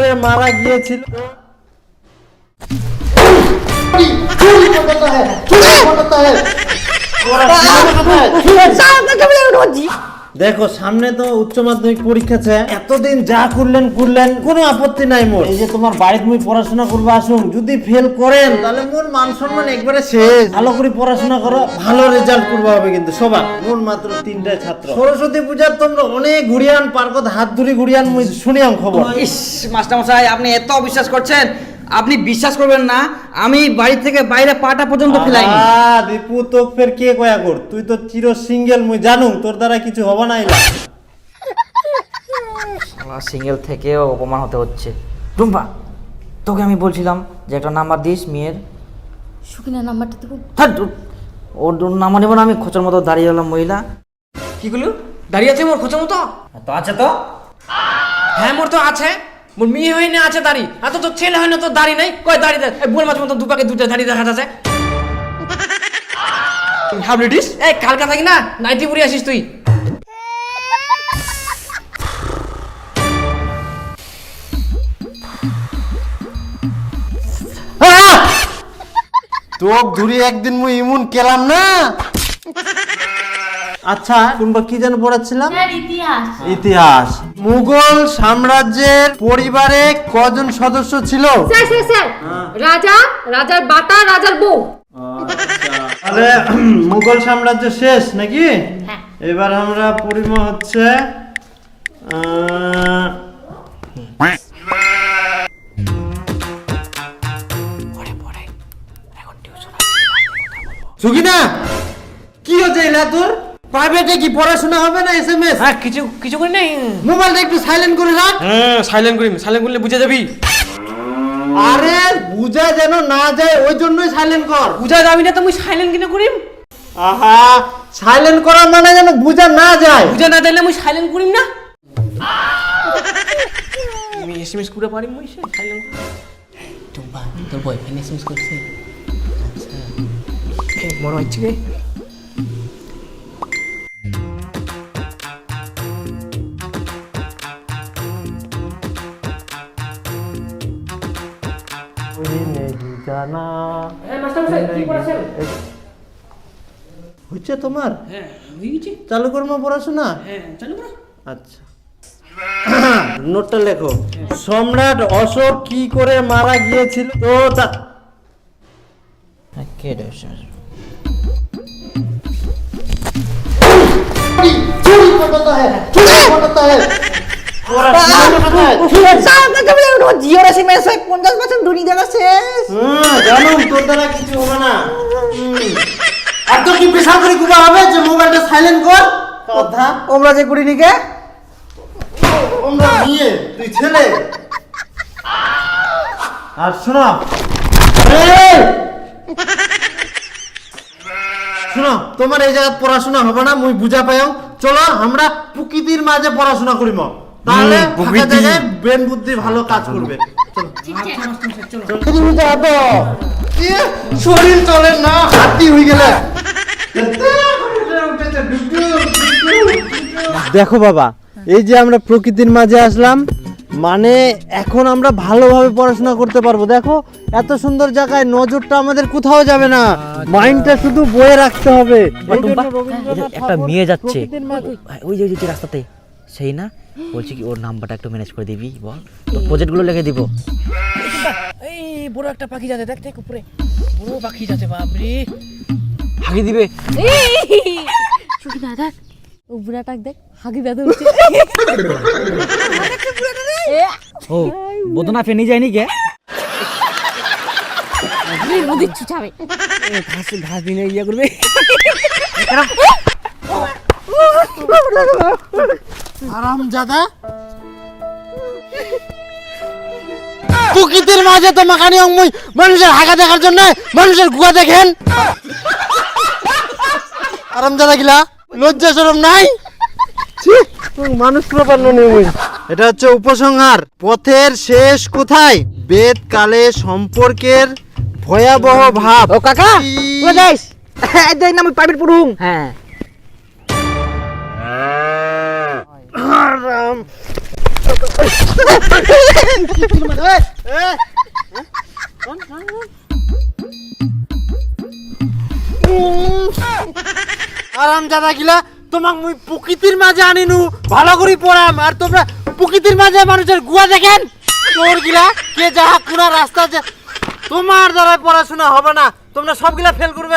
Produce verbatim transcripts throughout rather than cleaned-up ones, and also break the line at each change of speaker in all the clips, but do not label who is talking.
করে মারা গিয়েছিল। দেখো সামনে তো উচ্চ মাধ্যমিক পরীক্ষা আছে, এতদিন যা করলেন করলেন, কোনো আপত্তি নাই মোর। এই যে তোমার বাড়িতে মুই পড়াশোনা করবো আসুন, যদি ফেল করেন তাহলে মোর মান সম্মান একবারে শেষ। ভালো করে পড়াশোনা করো, ভালো রেজাল্ট করবো হবে কিন্তু সবার। মোর মাত্র তিনটায় ছাত্র। সরস্বতী পূজার তোমরা অনেক ঘুরিয়ান পার্কত হাত ধরে ঘুরিয়ান মুই শুনিয়াম খবর।
ইস মাস্টার মশাই, আপনি এত অবিশ্বাস করছেন, আপনি বিশ্বাস করবেন না, আমি বাড়ি থেকে বাইরে পাটা পর্যন্ত ফেলাইনি।
আ দীপু তোক ফের কে কয়া কর, তুই তো চির সিঙ্গেল, মুই জানু তোর দ্বারা কিছু হবে না। এলা
শালা সিঙ্গেল থেকেও অপমান হতে হচ্ছে। টুম্পা, তোকে আমি বলছিলাম যে একটা নাম্বার দিস মেয়ের।
সুকিনার নাম্বারটা দেবো?
ওর নাম্বার নেবো না আমি, খোঁচার মতো দাঁড়িয়ে গেলাম মহিলা।
কি গুলো দাঁড়িয়ে আছে মোর খোঁচার মতো?
তো আছে তো।
হ্যাঁ মোর তো আছে, মোর মেয়ে হয় না আছে দাড়ি, এত তো ছেলে হয় না তো দাড়ি নাই। কয় দাড়ি দেয় বোন মাছ মতো দুপাকে দুটো দাড়ি দেখা যাচ্ছে। হাবলিটিস এই কালকা থাকি না নাইটি পরে আসিস তুই।
তোক ধরি একদিন মুই ইমুন কেলাম না। আচ্ছা তোমরা কি যেন পড়াচ্ছিলাম?
ইতিহাস।
ইতিহাস। মুঘল সাম্রাজ্যের পরিবারে কজন সদস্য ছিল?
স্যার স্যার স্যার রাজা, রাজার বাতা, রাজার বউ।
তাহলে মুঘল সাম্রাজ্য শেষ নাকি?
হ্যাঁ।
এবার আমরা পরিমা হচ্ছে আহ, সুগিনা কি হচ্ছে এলা তোর? প্রাইভেটে কি পড়াশোনা হবে না এসএমএস?
হ্যাঁ কিছু কিছু করি নাই।
মোবাইলটা একটু সাইলেন্ট করে রাখ।
হ্যাঁ সাইলেন্ট করি, সাইলেন্ট করলে বুঝে যাবি।
আরে বুঝা যেন না যায় ওই জন্যই সাইলেন্ট কর।
বুঝা যাবি না তো মুই সাইলেন্ট কিনা করিম।
আহা সাইলেন্ট করা মানে যেন বুঝা না যায়।
বুঝা না দিলে মুই সাইলেন্ট করিম না। আমি এসএমএস করে পারি মুই সাইলেন্ট। টুম্পা তোর বয়ফ্রেন্ড এসএমএস করছে? আচ্ছা বড় হচ্ছে রে।
হচ্ছে তোমার?
হ্যাঁ হয়ে গেছে।
চালু করবো পড়াশোনা?
হ্যাঁ চালু করো।
আচ্ছা নোটটা লেখো। সম্রাট অশোক কি করে মারা গিয়েছিল? তো তা-
কে রে স্যার?
হুম, জানুম তোর দ্বারা কিছু হবে না। হুম। আর তোর কি পেশা করে কুবা হবে যে মোবাইলটা সাইলেন্ট কর? কথা
ওমরা যে করিনি কে?
আমরা নিয়ে তুই ছেলে। আর শোনো এই! শোনো তোমার এই জায়গায় পড়াশোনা হবে না, মুই বুঝা পাইও। চলো আমরা প্রকৃতির মাঝে পড়াশোনা করিম, তাহলে ফাঁকা জায়গায় ব্রেন বুদ্ধি ভালো কাজ করবে। শরীর চলে না, হাতি হয়ে গেলে। দেখো বাবা, এই যে আমরা প্রকৃতির মাঝে আসলাম, মানে এখন আমরা ভালোভাবে পড়াশোনা করতে পারবো। দেখো এত সুন্দর জায়গায় নজরটা আমাদের কোথাও যাবে না, মাইন্ডটা শুধু বয়ে রাখতে হবে।
একটা মেয়ে যাচ্ছে ওই যে ওই যে রাস্তাতে, সেই না? বলছি কি ওর নাম্বারটা একটু ম্যানেজ করে দিবি বল, তোর প্রজেক্টগুলো লিখে দিব।
এই বড় একটা পাখি যাচ্ছে, দেখ দেখ উপরে বড় পাখি যাচ্ছে। বাপরে
হাগি দিবে।
সুকিনা দেখ, ও বুড়াটাক দেখ, হাগি বেঁধে উঠছে।
ও বদনা ফেনি যায়নি কে?
নদীর ছুচাবে।
ঘাস ঘাস দিনে ইয়া করবে।
আরামজাদা, প্রকৃতির মাঝে তো মাখানি অঙ্গই মানুষের হাগা দেখার জন্য মানুষের গুয়া দেখেন। আরামজাদা গিলা লজ্জা শরম নাই? মানুষ প্রপান্ন নেই। এটা হচ্ছে উপসংহার। পথের শেষ কোথায়? বেদ কালে সম্পর্কের ভয়াবহ ভাব।
ও কাকা ও যাইস এই দেখ না আমি প্রাইভেট পড়ুম। হ্যাঁ
আরাম জাদা গিলা তোমাক মুই প্রকৃতির মাঝে আনিনু ভালো করে পড়াম আর তোমরা প্রকৃতির মাঝে মানুষের গুয়া দেখেন তোর গিলা কে যাহা কোনা রাস্তা আছে তোমার দ্বারা পড়াশোনা হবে না তোমরা সবগুলা ফেল করবেন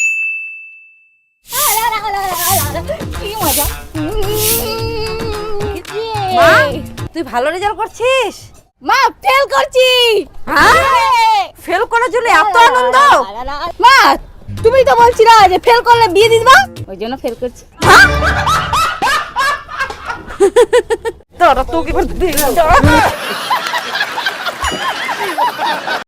কি মজা মা তুই ভালো রেজাল্ট করছিস মা ফেল করছি হ্যাঁ ফেল করার জন্য এত আনন্দ মা তুমি তো বলছিলা যে ফেল করলে বিয়ে দিয়ে দিবা ওই জন্য ফেল করছি তোরা তো কি